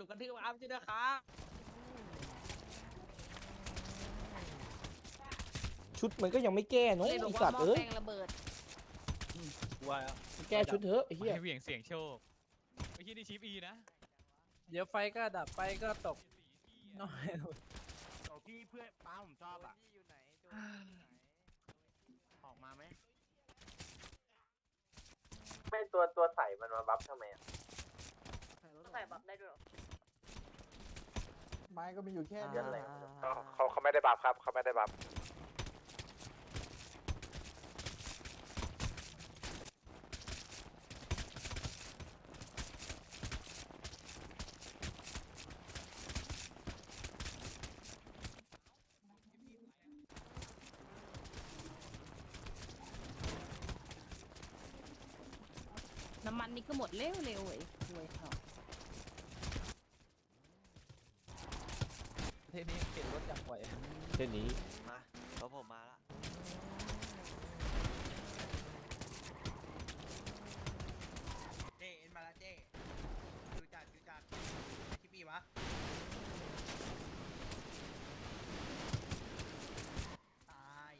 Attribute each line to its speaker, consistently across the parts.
Speaker 1: รุปกันที่ว่าอัพใช่ไหมครับ
Speaker 2: ชุดมันก็ยังไม่แก้เนาะ
Speaker 3: เลยบอ
Speaker 2: ไอ้
Speaker 3: ก
Speaker 2: สั
Speaker 3: ว่า
Speaker 2: ตว์
Speaker 3: หม้อ
Speaker 2: เอ้ย
Speaker 3: แปลงระเบิด
Speaker 1: ว่า
Speaker 2: แก้ชุดเถอะไอ้เหี้ย
Speaker 4: ให้เหวี่ยงเสียงโชคไอ้ที่นี่ชิปอีนะ
Speaker 5: เดี๋ยวไฟก็ดับไฟก็ตกน้อย
Speaker 6: โอ้พี่เพื่อนป้าผมชอบอ่ะ
Speaker 7: อยู่ไหนโจ
Speaker 6: ออกมาไหม
Speaker 8: ไม่ตัวใส่มันมาบัฟทำไมอ่ะ
Speaker 3: ใส่บัฟได้ด้วย
Speaker 9: ไม้ก็มีอยู่แค่
Speaker 8: เรื่องอะไร
Speaker 6: เขาไม่ได้บัฟครับเขาไม่ได้บัฟ
Speaker 3: น้ำมันนี่ก็หมดเร็วเว้ยรวยเขา
Speaker 5: เทนี้เข็นรถจักรไหว
Speaker 2: เช่นนี้
Speaker 7: มาแล้วผมมาละเจเอ็นมาละเจดูจัดชิปปี้วะตาย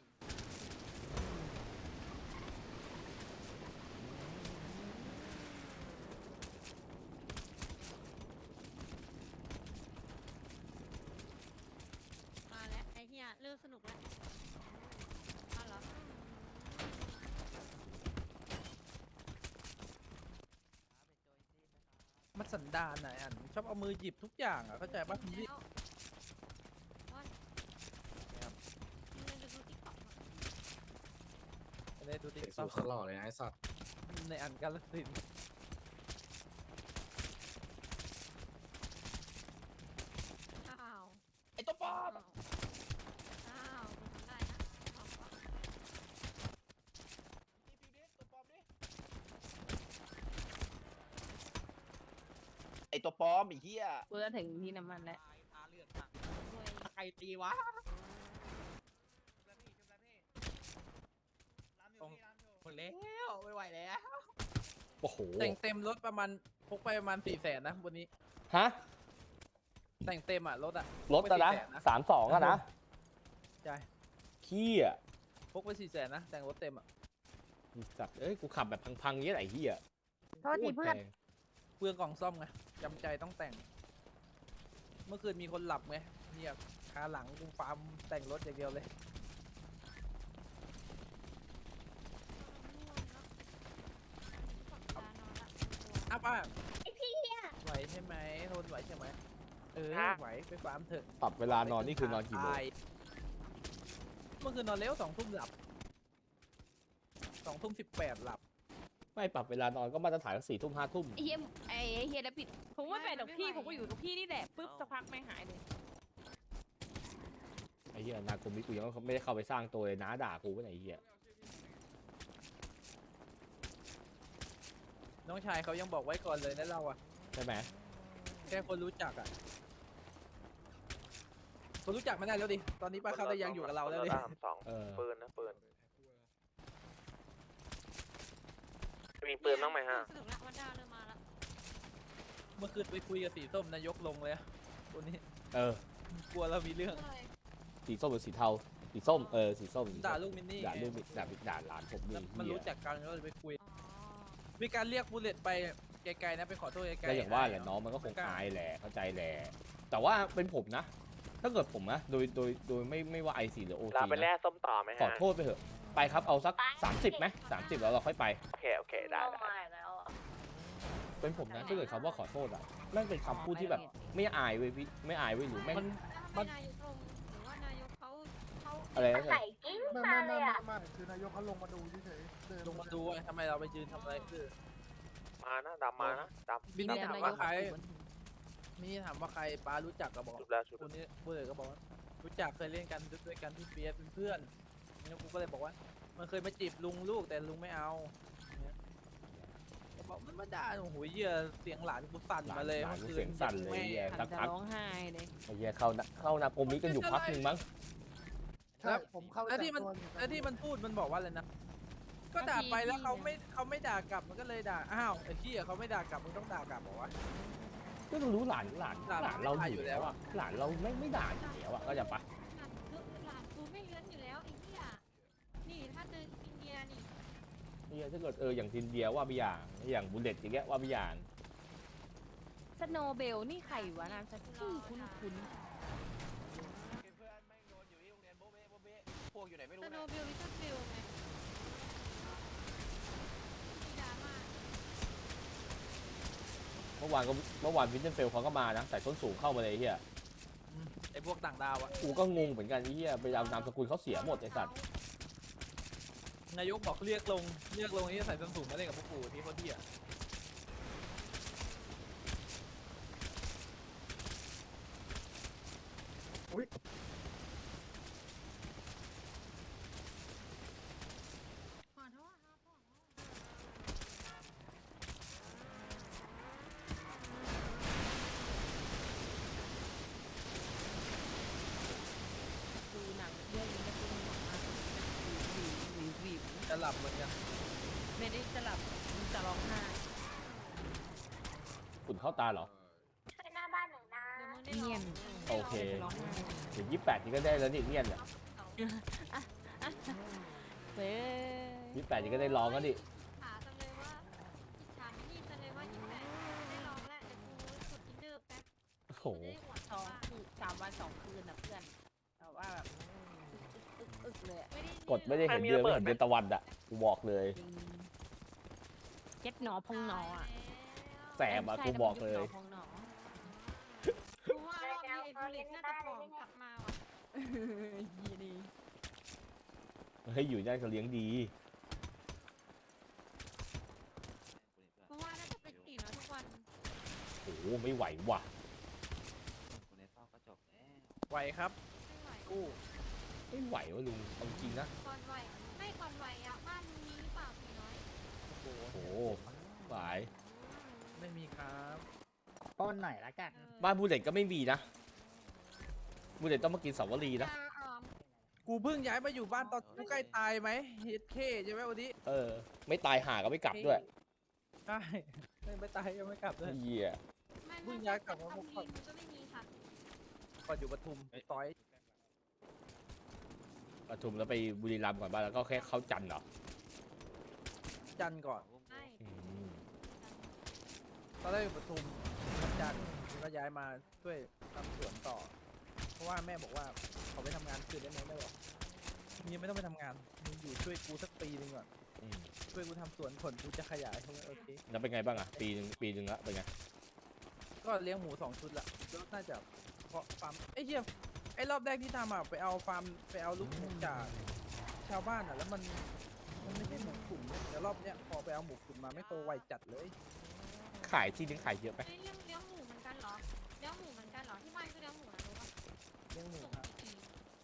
Speaker 3: มาแล้วไอ้เหี้ยเริ่มสนุกแล้วเอาเหรอ
Speaker 5: มันสันดานไหนอันชอบเอามือหยิบทุกอย่างอ่ะเข้าใจปะพี่
Speaker 3: แล้วโอ๊ยมึงดูติ๊กต็อก
Speaker 5: เลยดูดิ
Speaker 6: สูตรตลอดเลยนะไอ้สัตว์
Speaker 5: ในอันกาลสินธุ์
Speaker 3: อ้าว
Speaker 2: ไอ้ตัวปอม
Speaker 3: อ้าวมึงทำได้นะเอาก่อน
Speaker 2: ไอ้ตัวปอมไอ้เหี้ย
Speaker 3: กูจะถึงที่น้ำมันแล้ว
Speaker 1: ตาเลือด
Speaker 3: รวย
Speaker 1: ใครตีวะ หมดแล้วไม่ไหวแล้ว
Speaker 2: โอ้โห
Speaker 5: แต่งเต็มรถประมาณพกไปประมาณ400,000นะวันนี้
Speaker 2: ฮะ
Speaker 5: แต่งเต็มอ่ะรถอ่ะ
Speaker 2: รถอะนะ
Speaker 5: พกไป400,000
Speaker 2: 32อะนะ
Speaker 5: ใช่
Speaker 2: ขี้อ่ะ
Speaker 5: พกไป400,000นะแต่งรถเต็มอ่ะ
Speaker 2: ไอ้สัตว์เอ้ยกูขับแบบพังๆเงี้ยไอ้เหี้ย
Speaker 3: โทษทีเพื่อน
Speaker 2: โคตรแพง
Speaker 5: เปลืองกล่องซ่อมไงจำใจต้องแต่ง เมื่อคืนมีคนหลับไงเนี่ยคาหลังกูฟาร์มแต่งรถอย่างเดียวเลยอัพอ่ะไอพี่ไหวใช่ไหมทนไหวใช่ไหมไหวไปฟาร์มเถอะ
Speaker 2: ปรับเวลานอนนี่คือนอนกี่โมง
Speaker 5: ตายเมื่อคืนนอนเร็ว2 ทุ่มหลับ2 ทุ่ม 18หลับ
Speaker 2: ไม่ปรับเวลานอนก็มาตรฐาน4 ทุ่ม5 ทุ่ม
Speaker 3: ไอ้เฮียแล้วปิดผมไม่ไปดอกพี่ผมก็อยู่กับพี่นี่แหละปุ๊บสักพักไม่หายเลย
Speaker 2: ไอ้เหี้ยนากุมิกูยังไม่ได้เข้าไปสร้างตัวเลยน้าด่ากูว่าไอ้เหี้ย
Speaker 5: น้องชายเขายังบอกไว้ก่อนเลยนะเราอ่ะ
Speaker 2: ใช่ไหม
Speaker 5: แค่คนรู้จักอ่ะคนรู้จักไม่ได้แล้วดิตอนนี้ป้าเขาได้ยังอยู่กับเราแล้วดิ
Speaker 2: เออ
Speaker 8: ปืนนะปืนมีปืนบ้างไหมฮะ
Speaker 3: สนุกละวันดาวเริ่มมาแล้ว
Speaker 5: เมื่อคืนไปคุยกับสีส้มนายกลงเลยอะตัวนี้
Speaker 2: เออ
Speaker 5: กลัวเรามีเรื่อง
Speaker 2: สีส้มหรือสีเทาสีส้มสีส้มสีส้ม
Speaker 5: ด่าลูกมินนี่
Speaker 2: ด่า
Speaker 5: ไง
Speaker 2: ลูกด่าหลานผมนี่
Speaker 5: แล้วมัน
Speaker 2: เหี้ย
Speaker 5: รู้จักกันก็เลยไปคุย
Speaker 3: อ๋อ
Speaker 5: มีการเรียกบูเลตไปไกลๆนะไปขอโทษไกลๆ
Speaker 2: ก็อย่างว่าแหละน้องมันก็คงอายแหละเข้าใจแหละแต่ว่าเป็นผมนะ ถ้าเกิดผมนะโดยไม่ว่าไอซีหรือโอ
Speaker 8: เรา
Speaker 2: ซี
Speaker 8: ไปแล่
Speaker 2: นะ
Speaker 8: ส้มต่อไหมฮะ
Speaker 2: ขอโทษไปเถอะไปครับเอาสัก30ไหม30แล้วเราค่อยไป
Speaker 8: โอเคได้
Speaker 3: มาแล้วอ่ะ
Speaker 2: เป็นผมนะถ้าเกิดคำว่าขอโทษอ่ะแม่งเป็นคำพูดที่แบบไม่อายเว้ยพี่ไม่อายเว้ยหรือแม่ง
Speaker 3: มันนายกลงหรือว่านายกเขา
Speaker 2: อะไรนะ
Speaker 9: ไม่คือนายกเขาลงมาดูเฉยๆเดิน
Speaker 5: ลงมาดูว่าทำไมเราไปยืนทำอะไรคือ
Speaker 8: มานะดำมานะดำ
Speaker 5: มินนี่ถามว่าใครมินนี่ถามว่าใครป้ารู้จักก็บอก
Speaker 8: ชุบแล้วชุบ
Speaker 5: คนนี้บูเลตก็บอกว่ารู้จักเคยเล่นกันด้วยกันที่เฟียสเป็นเพื่อนแล้วกูก็เลยบอกว่า มันเคยมาจีบลุงลูกแต่ลุงไม่เอาเนี่ยก็บอกมันมาด่าโอ้โหเหี้ยเสียงหลานกูสั่นมาเลย
Speaker 2: หลาน
Speaker 5: มื่อคื
Speaker 2: เสียงสั่นเลยไอ้เหี้ย
Speaker 3: หั
Speaker 2: สั
Speaker 3: น
Speaker 2: ก
Speaker 3: จะ
Speaker 2: พัก
Speaker 3: ร้องไห้เลย
Speaker 2: ไอ้เหี้ยเข้านาโกมิกันอยู่พักหนึ่งมั้ง
Speaker 9: ใช่ผมเข้า
Speaker 5: แล้วที่มัน
Speaker 9: จับตัวอยู่
Speaker 5: แล้วที่มันพูดมันบอกว่าอะไรนะก็ด่าไปแล้วเขาไม่ด่ากลับมันก็เลยด่าอ้าวไอ้ที่เขาไม่ด่ากลับมึงต้องด่ากลับบอกว่า
Speaker 2: ก็ต้องรู้หลานเราอยู่แล้วอะหลานเราไม่ด่าอยู่แล้วอะก็จะปะ
Speaker 3: หลานกูไม่เลื้อนอยู่แล้วไอ้เหี้ยนี่ถ้าเจออินเดียนี่
Speaker 2: เนี่ยถ้าเกิดอย่างทินเดียว่าไปอย่างบุลเลตอย่างเงี้ยว่าไปอย่าง
Speaker 3: สโนเบลนี่ใครวะนามสกุลคุ้น
Speaker 5: เพื่อนแม่งโดนอยู่ที่โรงเรียนโบเบ้โบเบ้พวกอยู่ไหนไม่
Speaker 3: ส
Speaker 5: รู้
Speaker 3: โน
Speaker 5: นะ
Speaker 3: เบลลิตเติ้ลเบลไงมีดราม่า
Speaker 2: เมื่อวานวินเทอร์เฟลเขาก็มานะใส่ส้นสูงเข้ามาเลยไอ้เฮีย
Speaker 5: ไอ้พวกต่างดาวอะ
Speaker 2: กูก็งงเหมือนกันไอ้เฮียไปเอานามสกุลเขาเสียหมดไอ้สัตว์
Speaker 5: นายกบอกเรียกลงนี่ใส่ส้นสูงมาเล่นกับพวกกูที่เขาเที่ย
Speaker 3: ขอโทษครับขอโทษดูหนังเรื่องนี้ก็คือหนังมากวิว
Speaker 5: จะหลับเหมือนกัน
Speaker 3: ไม่ได้จะหลับจะร้องไห้
Speaker 2: ฝุ่นเข้าตาเหรอ
Speaker 3: เดี๋ยวมึงได้ร้อง
Speaker 2: โอเค
Speaker 3: ได้ร้องไห้
Speaker 2: ถึง28นี่ก็ได้แล้วนี่เนี่ยเนี่ย
Speaker 3: เว้ย
Speaker 2: 28นี่ก็ได้ร้องแล้วดิ
Speaker 3: หาจังเลยว่าถามนี่จังเลยว่า28ได้ร้องแล้วเดี๋ยวกูกดอินเนอร์แป๊บ
Speaker 2: โอ้โห
Speaker 3: จะได้อวดเขาว่า3 วัน 2 คืนนะเพื่อนแต่ว่าแบบอึกเลยอะ
Speaker 2: กดไม่ได้เห็นเดือนไม่เห็นเดือนตะวันอะกูบอกเลย
Speaker 3: เจ็ดหนอพองหนออ่ะ
Speaker 2: แสบอะกูบอกเลย
Speaker 3: พองหนอกูว่ารอบนี้ไอ้บุลเลตน่าจะผอมกลับมาว่ะยีดี
Speaker 2: เฮ้ยอยู่นั่นเขาเลี้ยงดี
Speaker 3: กูว่าน่าจะเป็นตีน้อยทุกวัน
Speaker 2: โอ้โหไม่ไหวว่ะ
Speaker 5: ไหวครับ
Speaker 3: ไม่ไหว
Speaker 5: กู้
Speaker 2: ไม่ไหวว่ะลุงเอาจริงนะ
Speaker 3: ก่อนไหวไม่ก่อนไหวอ่ะบ้านมึงมีหรือเปล่าตีน้อย
Speaker 5: โอ้โห
Speaker 2: โอ้โหไหว
Speaker 5: ไม่มีครับ
Speaker 1: ต้นไหนละกัน
Speaker 2: บ้านบูเลตก็ไม่มีนะบูเลตต้องมากินสาวรีนะ
Speaker 3: ยาออม
Speaker 5: กูเพิ่งย้ายมาอยู่บ้านตอนกูใกล้ตายไหมเฮดเคใช่ไหมวันนี้
Speaker 2: ไม่ตายห่าก็ไม่กลับด้วย
Speaker 5: ใช่ไม่ตายยังไม่กลับเลย
Speaker 2: เหี้ย
Speaker 3: ไม่
Speaker 5: เพิ่งย้ายกลับมา
Speaker 3: ทำทีมก็ไม่มีค่ะ
Speaker 5: ก่อนอยู่ปทุมต้อย
Speaker 2: ปทุมแล้วไปบุรีรัมย์ก่อนบ้านแล้วก็แค่เข้าจันทร์เหรอ
Speaker 5: จันทร์ก่อน
Speaker 3: ไม่
Speaker 2: อืม
Speaker 5: ตอนแรกอยู่ปทุมจันทร์ก็ย้ายมาช่วยทำสวนต่อ เพราะว่าแม่บอกว่าเขาไปทำงานคืนได้ไหมแม่บอกมึงยังไม่ต้องไปทำงานมึงอยู่ช่วยกูสักปีหนึงก่อน
Speaker 2: อืม
Speaker 5: ช่วยกูทำสวนผลกูจะขยายเขาเลยโอเค
Speaker 2: แล้วเป็นไงบ้างอะปีหนึ่งละเป็นไง
Speaker 5: ก็เลี้ยงหมู2 ชุดละแล้วน่าจะเพาะฟาร์มไอ้เหี้ยไอ้รอบแรกที่ทำอ่ะไปเอาฟาร์มไปเอาลูกหมูจากชาวบ้านอ่ะแล้วมันไม่ใช่หมูขุ่นเนี่ยเดี๋ยวรอบเนี้ยพอไปเอาหมูขุ่นมาไม่โตไวจัดเลย
Speaker 2: ขายที่นึงขายเยอะไหม
Speaker 3: เฮ้ยเลี้ยงหมูเหมือนกันเหรอเลี้ยงหมูเหมือนกันเหรอที่บ้านก็เลี้ยงหมูนะรู้ปะ
Speaker 5: เลี้ยงหมู
Speaker 3: ส่ง
Speaker 5: ครับ
Speaker 3: กี่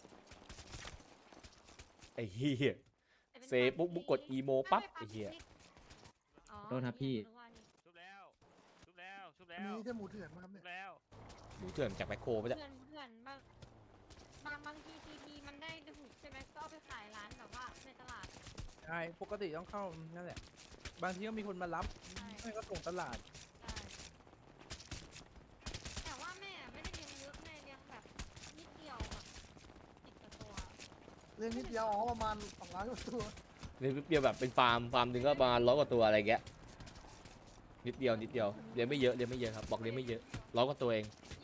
Speaker 2: ไอ้เหี้ย
Speaker 3: แต่เป็น
Speaker 2: เซปุ๊บมุกกดอีโมปั๊บไอ้เหี้ย
Speaker 3: อ๋อ
Speaker 1: โทษครับพี่
Speaker 3: รู้ว่านี่
Speaker 4: ชุบแล้วชุบแล้วชุบ
Speaker 9: อั
Speaker 4: แล้
Speaker 9: น
Speaker 4: ว
Speaker 9: นี้ใช่หมูเถื่อนไหมครับ
Speaker 4: ชุ
Speaker 9: เนี่ย
Speaker 4: บแล้ว
Speaker 2: ดูเถื่อนจากแมคโครไปจ้ะ
Speaker 3: เพื่อนบางทีทีมันได้ถูกใช่ไหมก็เอาไปขายร้านแบบว่าในตลาด
Speaker 5: ใช่ปกติต้องเข้านั่นแหละบางทีก็มีคนมารับ
Speaker 3: ใช่
Speaker 5: ไม่ก็ส่งตลาด
Speaker 3: ใช่แต่ว่าแม่ไม่ได้เลี้ยงเยอะแม่เลี้ยงแบบนิดเดียวแบบ10 กว่าตัว
Speaker 9: เลี้ยงนิดเดียวอ๋อประมาณ200กว่าตัว
Speaker 2: เลี้ยงเดียวแบบเป็นฟาร์มหนึ่งก็ประมาณ100 กว่าตัวอะไรเงี้ยนิดเดียวเลี้ยงไม่เยอะครับบอกเลี้ยงไม่เยอะ100 กว่าตัวเอง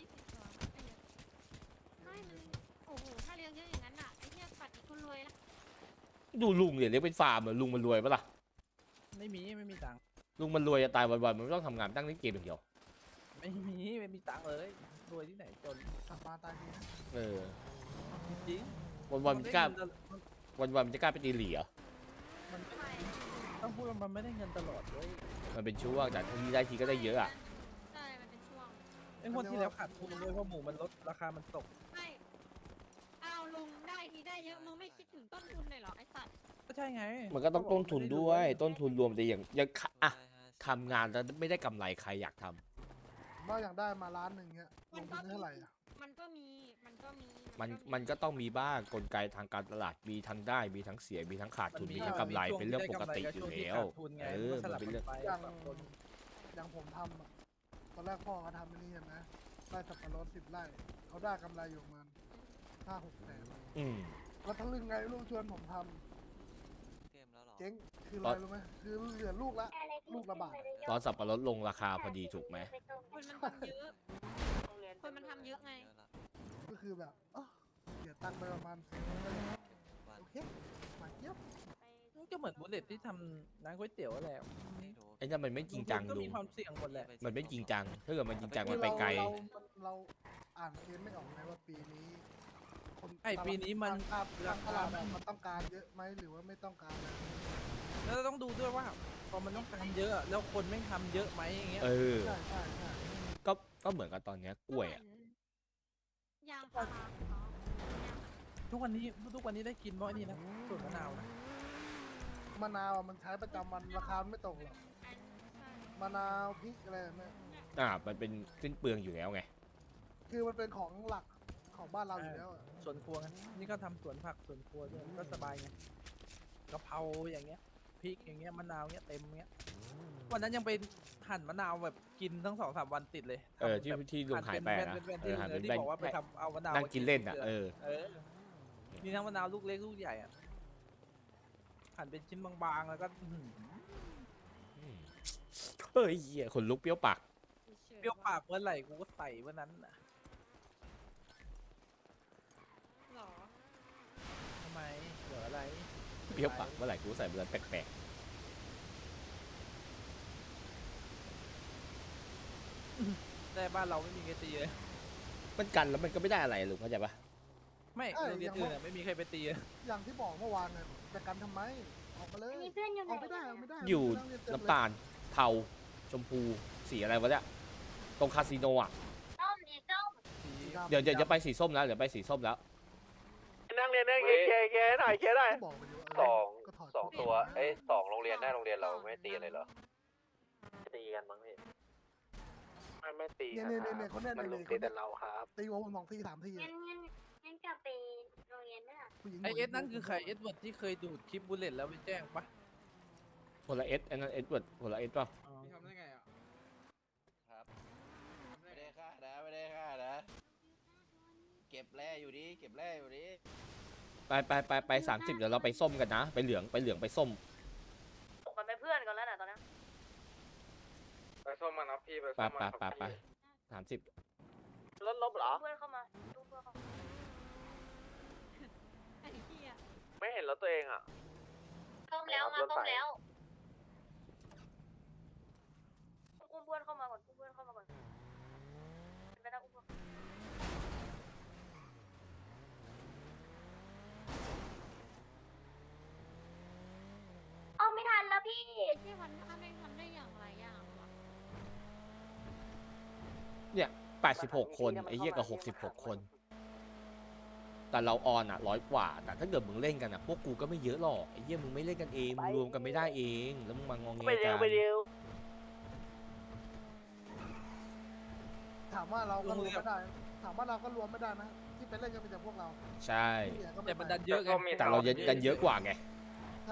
Speaker 3: 20 ตัวไม่เยอะไม่มันโอ้โหถ้าเลี้ยงเยอะอย่างนั้นอ่ะไอ้เหี้ยปัดอีกคนรวยละ
Speaker 2: ดูลุงเนี่ยเลี้ยงเป็นฟาร์มเหรอลุงมันรวยปะล่ะ
Speaker 5: ไม่มีตังค์
Speaker 2: ลุงมันรวยจะตายวันๆมันไม่ต้องทำงานตั้งเล่นเกมอย่างเดียว
Speaker 5: ไม่มีตังค์เลยรวยที่ไหนจน
Speaker 9: กลับมาตายดีนะ
Speaker 2: เออ
Speaker 5: จริง
Speaker 2: วันๆมันจะกล้าวันๆมันจะกล้าไปตีเหลี่ย
Speaker 5: มัน
Speaker 3: ไม่
Speaker 5: ต้องพูดว่ามันไม่ได้เงินตลอดเลย
Speaker 2: มันเป็นช่วงแต่ทีได้ทีก็ได้เยอะอะ
Speaker 3: ใช่ มันเป็นช่วง
Speaker 5: ไอ้งวดที่แล้วขาดทุนเลยเพราะหมูมันลดราคามันตก
Speaker 3: ไม่เอาลุงได้ทีได้เยอะมึงไม่คิดถึงต้นทุนเลยเหรอไอ้สัตว์
Speaker 5: ก็ใช่ไง
Speaker 2: มันก็ต้องต้นทุนด้วยต้นทุนรวมแต่อย่างอะทำงานแล้วไม่ได้กำไรใครอยากทำ
Speaker 9: ว่าอยากได้มาล้านหนึ่งเงี้ยลงทุนเท่าไหร่อ่ะ
Speaker 3: มันก็มี
Speaker 2: มันก็ต้องมีบ้างกลไกทางการตลาดมีทั้งได้มีทั้งเสียมีทั้งขาดทุนมีทั้งกำไรเป็นเรื่องปกติอยู่แล้ว
Speaker 5: มัน
Speaker 2: มันเป็นเรื่อง
Speaker 5: ไป
Speaker 9: อย่างอย่างผมทำอะตอนแรกพ่อเขาทำอันนี้เห็นไหมไร่สับปะรด10 ไร่เขาได้กำไรอยู่ประมาณ5-6 แสน
Speaker 2: อืม
Speaker 9: แล้วทั้งลึงไงลูกชวนผมทำเจ๊งคืออะไรรู้ไหมคือเหลือลูกละบาท
Speaker 2: ตอนสับปะรดลงราคาพอดีถูกไหม
Speaker 3: คนมันทำเยอะคนมันทำเยอะไง
Speaker 9: ก็คือแบบเสียตังค์ไปประมาณโอเคหวานเจี๊ยบ
Speaker 5: ก็เหมือนบุลเลตที่ทำร้านก๋วยเตี๋ยวแหละ
Speaker 2: ไอ้นั่นมันไม่จริงจัง
Speaker 5: ก็
Speaker 2: ลุ
Speaker 5: มี
Speaker 2: ง
Speaker 5: ความเสี่ยงหมดแหละ
Speaker 2: มันไม่จริงจัง ถ้าเกิดมันจริงจัง
Speaker 9: คื
Speaker 2: มัน
Speaker 9: อ
Speaker 2: ไปไกล
Speaker 9: เราอ่านเคสไม่ออกไงว่าปีนี้คน
Speaker 5: ไอ้ปีนี้มัน
Speaker 9: ราคามันต้องการเยอะไหมหรือว่าไม่ต้องการเลย
Speaker 5: แล้วเราต้องดูด้วยว่าพอมันต้องการเยอะอะแล้วคนไม่ทำเยอะไหมอย่างเงี้ย
Speaker 2: เออ
Speaker 9: ใช่ใช่ใช่
Speaker 2: ก็เหมือนกับตอนเนี้ยกล้วยอ่ะ
Speaker 3: ยางพาราของเขา
Speaker 5: ทุกวันนี้ได้กินเพราะไอ้นี่นะส่วนมะนาวนะ
Speaker 9: มะนาวมันใช้ประจำวันราคาไม่ตกหรอก
Speaker 3: ใช่
Speaker 9: มะนาวพริกอะไรเนี่ย
Speaker 2: มันเป็นสิ้นเปลืองอยู่แล้วไง
Speaker 9: คือมันเป็นของหลักของบ้านเราอยู่แล้วอะ
Speaker 5: สวนครัวไงนี่ก็ทำสวนผักสวนครัวด้วยก็สบายไงกะเพราอย่างเงี้ยพริกอย่างเงี้ยมะนาวเงี้ยเต็มเงี้ยวันนั้นยังไปหั่นมะนาวแบบกินทั้ง2-3 วันติดเลย
Speaker 2: ที่
Speaker 5: ทำแบบ
Speaker 2: ที่ลุงหายไปอะนะ
Speaker 5: หั่นเป็น
Speaker 2: เออหายเป็น
Speaker 5: ที่
Speaker 2: แบน
Speaker 5: บอกว่าไปทำเอามะนาว
Speaker 2: นั่งกินเล่นอ่ะ เออ
Speaker 5: มีทั้งมะนาวลูกเล็กลูกใหญ่อ่ะหั่นเป็นชิ้นบางๆแล้วก็อื้อหือ
Speaker 2: เฮ้ยเหี้ยขนลุกเปรี้ยวปาก
Speaker 5: เปรี้ยวปากเมื่อไหร่กูก็ใส่เมื่อนั้นน่ะ
Speaker 3: หรอ
Speaker 5: ทำไมเหลืออะไร
Speaker 2: เปรี้ยวปากเมื่อไหร่กูใส่เบอร์แปลก
Speaker 5: แต่บ้านเราไม่มีใครตีเลย
Speaker 2: ๆมันกันแล้วมันก็ไม่ได้อะไรลุงเข้าใจปะ
Speaker 5: ไม่โรงเรียนอื่นอะไม่มีใครไปตีเลย
Speaker 9: อย่างที่บอกเมื่อวานเนี่ยจะกันทำไมออกมาเลย
Speaker 7: มีเพื่อนอยู่ไหน
Speaker 9: ออกไม่ได้ออกไม่ได้
Speaker 2: อยู่
Speaker 9: นักเรีนเต็มเลย
Speaker 2: น้ำตาล เทา ชมพู สีอะไรวะเนี่ย ตรงคาสิโนอ่ะ
Speaker 7: ต้มอีกต้ม
Speaker 9: สีดำ
Speaker 2: เดี๋ยวจะไปสีส้มแล้ว เดี๋ยวไปสีส้มแล้ว
Speaker 8: นั่งเรียนได้เคหน่อยเคได้
Speaker 9: ก็บอกไปอยู่ว่า
Speaker 8: สอง
Speaker 9: ก็ถอด
Speaker 8: สอง
Speaker 9: ชุด
Speaker 8: ตัว
Speaker 9: กมา
Speaker 8: เอ้ย2 โรงเรียนได้โรงเรียนเราไม่ตีอะไรเหรอ ตีกันมั้งพี่ ไม่ตี
Speaker 9: เนี่ยเขาแน่น
Speaker 8: มัน
Speaker 9: เล
Speaker 8: ลุ
Speaker 9: ย
Speaker 8: งตีแต่เราครับ
Speaker 9: ตีหัวผม2 ที 3 ที
Speaker 7: งั้นกลับไปโรงเรียนด้วย
Speaker 9: ผู้หญิง
Speaker 5: ไอเอสนั่นคือใครเอสเวิร์ดที่เคยดูดคลิปบุลเลตแล้วไปแจ้งปะ
Speaker 2: คนละเอสอันนั้นเอสเวิร์ดคนละเอสป่ะ
Speaker 7: พี่ทำได้ไงอ่ะ
Speaker 6: ครับไม่ได้ฆ่านะเก็บแร่อยู่ดิ
Speaker 2: ไป30 เดี๋ยวเราไปส้มกันนะ ไปเหลืองไปส้ม
Speaker 7: มันเป็นเพื่อนกันแล้วนะตอนนี้
Speaker 8: ไปส้มมานะพี่ไป
Speaker 2: ไป30
Speaker 8: รถลบเหรอ
Speaker 7: เพื่อนเข้ามาดูเพื่อนเข้ามา
Speaker 3: ไอ้เหี้ย
Speaker 8: ไม่เห็นรถตัวเองอ่ะ
Speaker 7: ต้มแล้วมาต้มแล้วอุ้มเพื่อนเข้ามาก่อนอุ้มเพื่อนเข้ามาก่อนไปนะอุ้มเพื่อนเอาไม่ทันแล้วพี่
Speaker 3: ไอ้ที่มันทำได้อย่างไรอย่างวะ
Speaker 2: 86 คนไอ้เหี้ยกับ66 คน แต่เราออนอ่ะ100 กว่าแต่ถ้าเกิดมึงเล่นกันอ่ะพวกกูก็ไม่เยอะหรอกไอ้เหี้ยมึงไม่เล่นกันเองมึงรวมกันไม่ได้เองแล้วมึงมางองเงกัน
Speaker 9: ถามว่าเราก็รวมไม่ได้ถามว่าเราก็รวมไม่ได้นะที่ไปเล่นก็มีแต่พวกเรา
Speaker 2: ใช่
Speaker 9: ที่เหลือก็ไม่
Speaker 5: แต่
Speaker 9: ไป
Speaker 5: มันดันเยอะไง
Speaker 2: แต่เราดันเยอะกว่าไง
Speaker 9: ใช่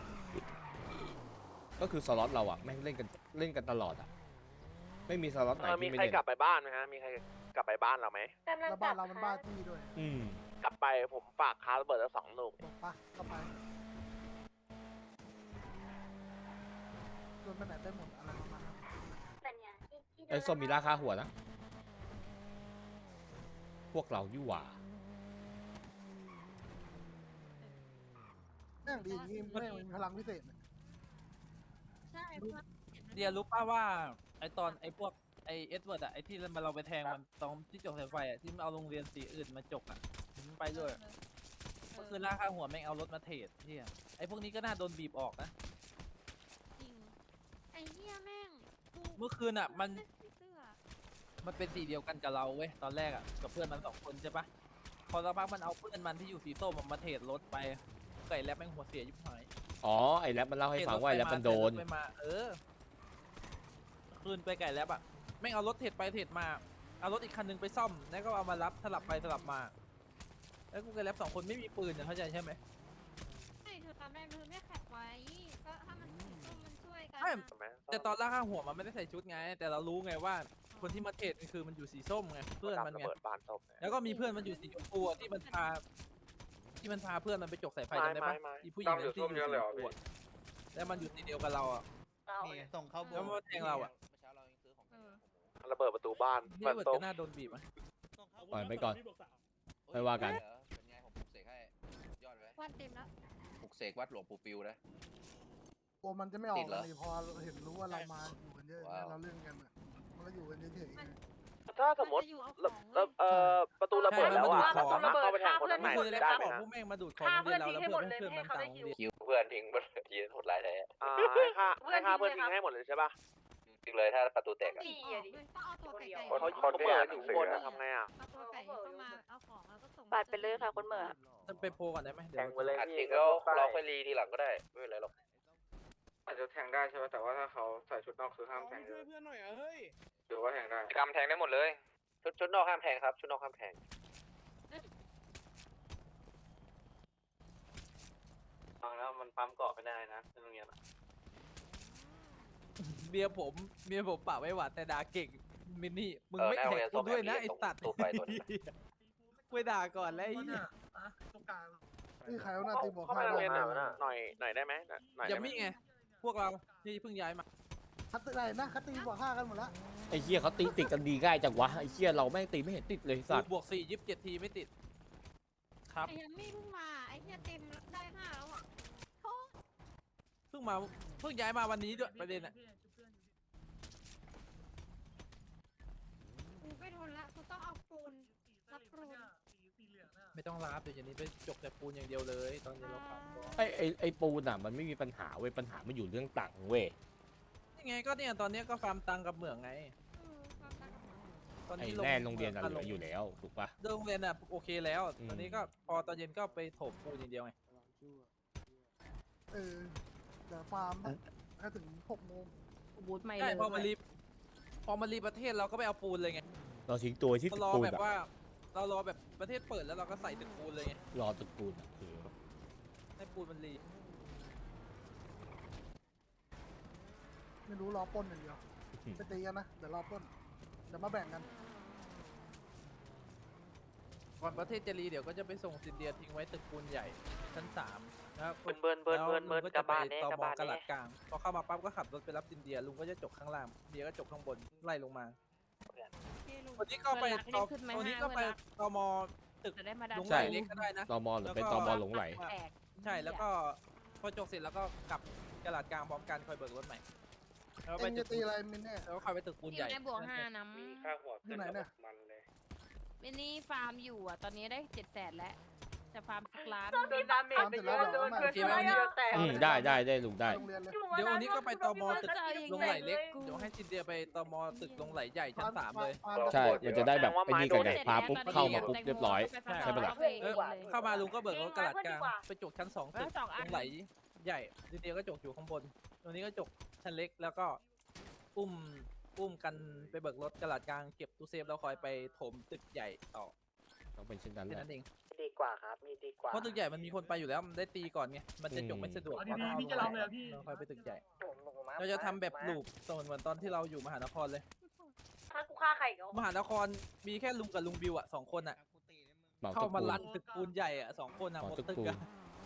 Speaker 2: ก็คือสล็อตเราอ่ะแม่งเล่นกันตลอดอ่ะไม่มีสล็อตไหน
Speaker 8: มี
Speaker 2: ที่ไม่
Speaker 8: ใคร
Speaker 2: เล่น
Speaker 8: กลับไปบ้านไหมฮะ มีใครกลับไปบ้านเราไหม
Speaker 9: แล้วบ้านเรามันบ้านที่ด้วย
Speaker 2: อืม
Speaker 8: กลับไปผมฝากคาร์ระเบิดแล้ว2 ลูก
Speaker 9: บอกปะก็ไปรวมไปไหนได้หมดอะไรประมาณนั้น
Speaker 2: ไอ้ส้มมีราคาหัวนะพวกเรายู่หว่า
Speaker 9: แม่งดีอย่างงี้แม่งมีพลังพิเศษ
Speaker 3: ใช่เพื่อน
Speaker 5: เดียรู้ป่ะว่าไอตอนไอพวกไอเอสเวิร์ดอะไอที่เราไปแทงมันตอนที่จกสายไฟอะที่มันเอาโรงเรียนสีอื่นมาจกอะมันไปด้วยก็คือราคาหัวแม่งเอารถมาเทรดที่ไอพวกนี้ก็น่าโดนบีบออกนะ
Speaker 3: จริงไอ้เหี้ยแม่งกู
Speaker 5: เมื่อคืนอะมัน
Speaker 3: ไม่ใส่เสื้อ
Speaker 5: มันเป็นสีเดียวกันกับเราเว้ยตอนแรกอะกับเพื่อนมัน2 คนใช่ปะพอสักพักมันเอาเพื่อนมันที่อยู่สีส้มมาเทรดรถไปไก่แลบแม่งหัวเสียยิบหาย
Speaker 2: อ๋อไอ้แรปมันเล่าให้ฟังว่าไอ้แรปมันโดน
Speaker 5: ไปมาคืนไปไก่แลบอะแม่งเอารถเทรดไปเทรดมาเอารถอีกคันนึงไปซ่อมแล้วก็เอามารับสลับไปสลับมาแล้วกูไก่แลบ2 คนไม่มีปืนเนี่ยเข้าใจใช่ไหม
Speaker 3: ใช่เธอทำได้เธอไม่แขกไว้ก็ถ้ามันสีส้มมันช่วยกัน
Speaker 5: ไม่
Speaker 3: อะ
Speaker 5: แต่ตอนล่าข้างหัวมันไม่ได้ใส่ชุดไง แต่เรารู้ไงว่า
Speaker 3: อ๋อ
Speaker 5: คนที่มาเทรดมันคือมันอยู่สีส้มไงเพื่อนมัน
Speaker 8: ระ
Speaker 5: ไง
Speaker 8: เบิดบานศพ
Speaker 5: แล้วก็มีเพื่อนมันอยู่สีชมพูอะที่มันพาเพื่อนมันไปจกสายไฟจำได้ปะ
Speaker 8: ไม่
Speaker 5: อีผู้หญิงนั้นที่อยู่สีชมพูอะแล้วมันอยู่สีเดียวกับเราอ่ะ
Speaker 7: นี่ส่งเข้าโบ
Speaker 5: แล้วมันมาแทงเราอ่ะ
Speaker 6: เมื่อเช้าเรายังซื้อของกันอยู่
Speaker 8: ระเบิดประตูบ้าน
Speaker 5: พี่
Speaker 8: บาน
Speaker 5: เบิร์ด
Speaker 8: ศ
Speaker 5: ก็
Speaker 8: พ
Speaker 5: น่าโดนบีบอ่ะ
Speaker 2: ปล่อยไปก่อน
Speaker 6: โอ้ย
Speaker 2: ไม่ว่ากัน
Speaker 6: เป็นไงผมปลุกเสกให้ยอดไหม
Speaker 3: วันเต็มแล้ว
Speaker 6: ปลุกเสกวัดหลวงปู่ฟิวนะ
Speaker 9: กลัวมันจะไม่ออ
Speaker 6: ติ
Speaker 9: ก
Speaker 6: ดเหรอ
Speaker 9: เลยพอเห็นรู้ว่าเรามาอยู่กันเยอะ
Speaker 6: ว้าว
Speaker 9: เราเล่นกันอะมันก็อยู่กันเฉยๆไง
Speaker 8: ถ้าสมมติ
Speaker 3: นจะอยู่เอาของเว้ย
Speaker 8: ประตูระเบิดแล้วอ่ะ
Speaker 5: ใช่
Speaker 8: เราสามารถเข้าไปแทงคนข้างใน
Speaker 5: คือเลย
Speaker 8: ได้
Speaker 5: นะ
Speaker 8: ไหม
Speaker 5: บอก
Speaker 8: ฮะ
Speaker 5: พวกแม่งมาดูดของโรงเรียนเราแล้วเพื่อนเพื่อนมันต่างโรงเรียน
Speaker 6: คิวเพื่อนทิ้งยืนโหดร้ายแท้
Speaker 8: ให้ค่าเพื่อนทิ้งให้หมดเลยใช่ป่ะ
Speaker 6: จริงเลยถ้าประตูแตกอะ
Speaker 3: ต้องออกด้วยต้องเอาตัวไก่
Speaker 8: เขาเปิดอยู่บนทำไงอ่ะ
Speaker 3: เอาตัวไก่เข้ามาเอาของแล้วก็ส่ง
Speaker 10: ปัดไปเลยค่ะคุณเหมอ
Speaker 5: จะไปโพลก่อนได้ไหมเดี๋ยว
Speaker 6: อัดจริงแล้วเราค่อยรีทีหลังก็ได้ไม่เป็นไรหรอก
Speaker 8: อาจจะแทงได้ใช่ไหมแต่ว่าถ้าเขาใส่ชุดนอกคือห้ามแทง
Speaker 7: ช่วยเพื่อนหน่อยอะเฮ้ย
Speaker 8: หรือว่าแทงได้กำแทงได้หมดเลย
Speaker 6: ชุดนอกห้ามแทงครับชุดนอกห้ามแทง
Speaker 8: ฟังแล้วมันปั๊มเกาะไม่ได้นะในโรงเรียน
Speaker 5: เมียผมปะไว้หวานแต่ด่าเก่งมินนี่มึงไม่แท็กกูด้วยนะไอ้สัตว์ไม่ด่าก่อนแล้วไอ้เหี้ย
Speaker 9: นี่ใครเอาหน้าตีบอก
Speaker 8: เข้าไปโรงเรียนหน่อยได้ไหมหน่อย
Speaker 5: อย่ามีไงพวกเราที่เพิ่งย้ายมา
Speaker 9: คัตอะไรนะคัตตีบอกฆ่ากันหมดแล้ว
Speaker 2: ไอ้เหี้ยเขาตีติดกันดีง่ายจังวะไอ้เหี้ยเราแม่งตีไม่เห็นติดเลยสัตว์
Speaker 5: บวก4 27 ทีไม่ติดครับ
Speaker 3: ไอ้ยังไม่เพิ่งมาไอ้เหี้ยเต็มได้5แล้วอ่ะโทษ
Speaker 5: เพิ่งย้ายมาวันนี้ด้วยประเด็นอ่ะ
Speaker 3: กูไม่ทนละกูต้องเอาปูนรับปูน
Speaker 5: ไม่ต้องรับเดี๋ยวอย่างนี้ไปจกแต่ปูนอย่างเดียวเลยตอนนี้เราขับ
Speaker 2: ไอ้ปูนอ่ะมันไม่มีปัญหาเว้ยปัญหามันอยู่เรื่องตังค์เว้ย
Speaker 5: นี่ไงก็เนี่ยตอนนี้ก็ฟาร์มตังกับเหมืองไง
Speaker 3: ความรักกับหมอ
Speaker 5: ตอน
Speaker 2: ไอ้
Speaker 5: นี้
Speaker 2: แน่โรงเรียนอะเหลืออยู่แล้วถูกปะ
Speaker 5: โรงเรียนอ่ะโอเคแล้ว
Speaker 2: อืม
Speaker 5: ตอนนี้ก็พอตอนเย็นก็ไปถมปูนอย่างเดียวไง
Speaker 9: เเดี๋ยวฟาร์มให้ถึง6 โมง
Speaker 10: บูทไม่
Speaker 5: ใช่
Speaker 10: เลย
Speaker 5: พอมารีประเทศเราก็ไปเอาปูนเลยไง
Speaker 2: เราทิ้งตัวที่
Speaker 5: เรา
Speaker 2: ตึก
Speaker 5: รอ
Speaker 2: ปูน
Speaker 5: แบบ
Speaker 2: อะ
Speaker 5: ว่าเรารอแบบประเทศเปิดแล้วเราก็ใส่ตึกปูนเลยไง
Speaker 2: รอตึกปูนอะคือ
Speaker 5: ให้ปูนมันรี
Speaker 9: ไม่รู้รอปล้นอย่างเดียวไปตีกันนะเดี๋ยวรอปล้นเดี๋ยวมาแบ่งกัน
Speaker 5: ก่อนประเทศจะรีเดี๋ยวก็จะไปส่งซินเดียทิ้งไว้ตึกปูนใหญ่ชั้น3แล้ว
Speaker 8: เบิร์น
Speaker 5: แล้วลุงก็
Speaker 8: กลั
Speaker 5: จะ
Speaker 8: บ
Speaker 5: ไป
Speaker 8: บ้านแน่
Speaker 5: ต
Speaker 8: กลับ
Speaker 5: ม
Speaker 8: บ้าน
Speaker 5: กลัด
Speaker 8: แน่
Speaker 5: กลางพอเข้ามาปั๊บก็ขับรถไปรับซินเดียลุงก็จะจกข้างล่างเดียก็จกข้างบนไล่ลงมา วันนี้ก็ไปวันนี้ก็ไปตมตึก
Speaker 10: จะได้มาดัน
Speaker 5: ลงไหลเล็กก็ได้นะ
Speaker 2: ตมหรือเป็นตมหลงไหล
Speaker 10: แตก
Speaker 5: ใช่แล้วก็พอจกเสร็จแล้วก็กลับกลาดกลางพร้อมกันคอยเบิกรถใหม่แล้วไป
Speaker 9: เอ็ง
Speaker 5: ตึ
Speaker 9: จะ
Speaker 5: ก
Speaker 9: ตีอะไรมินเนี่ย
Speaker 5: แล้วก็คอยไปตึกปูน
Speaker 10: อ
Speaker 5: ใหญ่
Speaker 10: ยู่ในบวก5น้
Speaker 8: มีค่าหัว
Speaker 9: ที่ไหนเนี่ย
Speaker 8: มันเลย
Speaker 10: ำมินี่ฟาร์มอยู่อ่ะตอนนี้ได้700,000แล้วจะฟาร์มสักล้าน
Speaker 9: ฟาร์มเสร็จแล้วเดี๋ยวมา
Speaker 5: โอเคไหมวันนี้
Speaker 2: ได้ลุงได้
Speaker 9: โรงเรียนเลย
Speaker 5: เดี๋ยววันนี้ก็ไปตมตึกลงไหลเล็กเดี๋ยวให้ซินเดียไปตมตึกลงไหลใหญ่ชั้น3เลย
Speaker 2: ใช่ มันจะได้แบบไอ้นี่กันไงพาปุ๊บเข้ามาปุ๊บเรียบร้อย ใช่ปะล่ะ
Speaker 5: เข้ามาลุงก็เบิกรถกระดาษกลางไปจกชั้น2ตึก
Speaker 10: 2 อั
Speaker 5: ล
Speaker 10: น
Speaker 5: งไหลใหญ่ซินเดียก็จกอยู่ข้างบนตรงนี้ก็จกชั้นเล็กแล้วก็อุ้มกันไปเบิกรถกระดาษกลางเก็บตู้เซฟแล้วคอยไปถมตึกใหญ่ต่อ
Speaker 2: ต้องเป็นเช่นนั้นแห
Speaker 5: แค่
Speaker 2: ละ
Speaker 5: นั้นเอง
Speaker 8: ดีกว่าครับมีดีกว่า
Speaker 5: เพราะตึกใหญ่มันมีคนไปอยู่แล้วมันได้ตีก่อนไงมันจะจบไม่สะดวกพี่จะรับเลยพี่เราคอยไปตึกใหญ่เราจะทำแบบลูปเหมือนตอนที่เราอยู่มหานครเลย
Speaker 10: ถ้ากูฆ่าใครก็
Speaker 5: มหานครมีแค่ลุงกับลุงบิวอ่ะ2 คนอ่ะ
Speaker 2: เหมา
Speaker 5: เข้า
Speaker 2: ตึก
Speaker 5: มา
Speaker 2: ปูน
Speaker 5: ลันตึกปูนใหญ่อ่ะ2 คนอ่ะ
Speaker 2: เห
Speaker 5: หม
Speaker 2: มา
Speaker 5: ด
Speaker 2: ตึก
Speaker 5: ตึก
Speaker 2: ปูน
Speaker 5: อ่ะ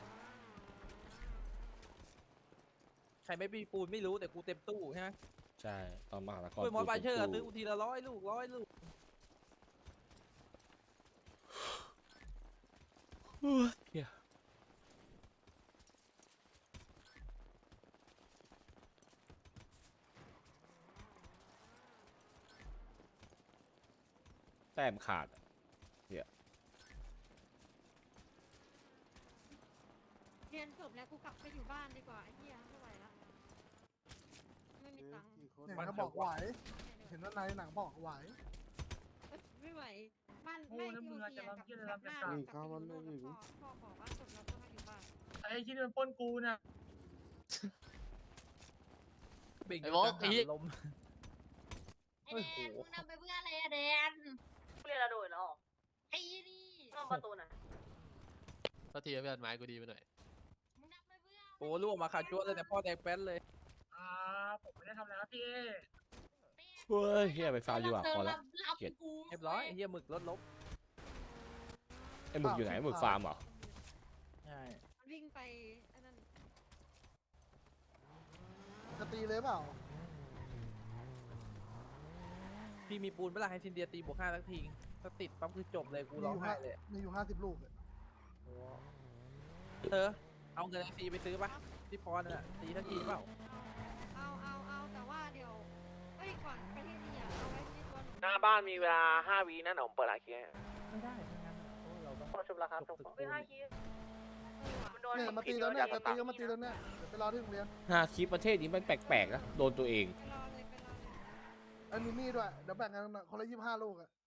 Speaker 5: ใครไม่มีปูนไม่รู้แต่กูเต็มตู้ใช่ไหม
Speaker 2: ใช่ตอนมหานคร
Speaker 5: คุยมอส
Speaker 2: ปู
Speaker 5: บาเชอร์อะ
Speaker 2: ปู
Speaker 5: ซื้อกูทีละ100 ลูก
Speaker 2: เหี้ยแต้มขาดอะ
Speaker 3: เรียนจบแล้วกูกลับไปอยู่บ้านดีกว่าไอ้เหี้ยไม่ไหวละไม่มีตังค์
Speaker 9: เนี่ยเขาบอกไหว เห็นว่าในหนังบอกไหว
Speaker 3: ไม่ไหวบ้านไม่ที่โอเสียกับหน้ากับพ่อบอกว่าจบแล้วก็มาอยู่บ้าน
Speaker 7: ไอ้ที่มันปล้นกูนะ
Speaker 5: เบ่ง
Speaker 11: ไอ้โว้ยไอ้เหี้ย
Speaker 5: ลม
Speaker 3: ไอ้แดนมึงนำไปเพื่ออะไรอะแดน
Speaker 10: เรียนระโดดหรอ
Speaker 3: ไอ้นี่
Speaker 10: ต้องประตูน่ะ
Speaker 11: ก็ทีไม่อันไม้กูดีไปหน่อย
Speaker 3: มึงนำไปเพื่อ
Speaker 5: โอ้ลูกออกมาขาดจ้วเลยแต่พ่อแดงแป้นเลย
Speaker 7: ผมไม่ได้ทำอะไรครับพี่
Speaker 2: เฮ้ยเฮียไปฟาร์มดีกว่าพอละ เกลียด
Speaker 5: เรียบร้อยไอ้เหี้ยหมึกรถลบ
Speaker 2: ไอ้หมึกอยู่ไหนหมึกฟาร์มเหรอ
Speaker 5: ใช่
Speaker 3: มันวิ่งไปอันนั้น
Speaker 9: จะตีเลยเปล่า
Speaker 5: พี่มีปูนเวลาให้ซินเดียตีบวก5สักทีถ้าติดปั๊บคือจบเลยกู
Speaker 9: มี
Speaker 5: ร้
Speaker 9: อ
Speaker 5: อง
Speaker 9: ยู่
Speaker 5: ไห้เลย
Speaker 9: มีอยู่50 ลูกอะ
Speaker 5: เธอเอาเงินไอซีไปซื้อปะที่พรน่ะตีทันทีเปล่า
Speaker 3: เอาแต่ว่าเดี๋ยวเอ้ยก่อนไปที่นี่อ่ะเอาไว้ที่ตัวหนู
Speaker 8: หน้าบ้านมีเวลา5 วินะเดี๋ยวผมเปิดอาเคีย
Speaker 5: ไม่ได้ทั้งนั้นอะโอ้เราต้อง
Speaker 8: พอชุบแล้วครับชุบ
Speaker 5: ฝึก
Speaker 8: ไม่5 คิวมันโดน
Speaker 9: เนี่ยมาตีตอนเนี้ยแต่ตีก็มาตีตอนเนี้ยเดี๋ยวไปรอที่โรงเรียน
Speaker 2: ฮาคลิปประเทศนี้มันแปลกๆนะโดนตัวเอง
Speaker 3: ไปรอเลย
Speaker 9: ไอ้มินนี่ด้วย เดี๋ยวแบ่งกันคนละ25 ลูกอะ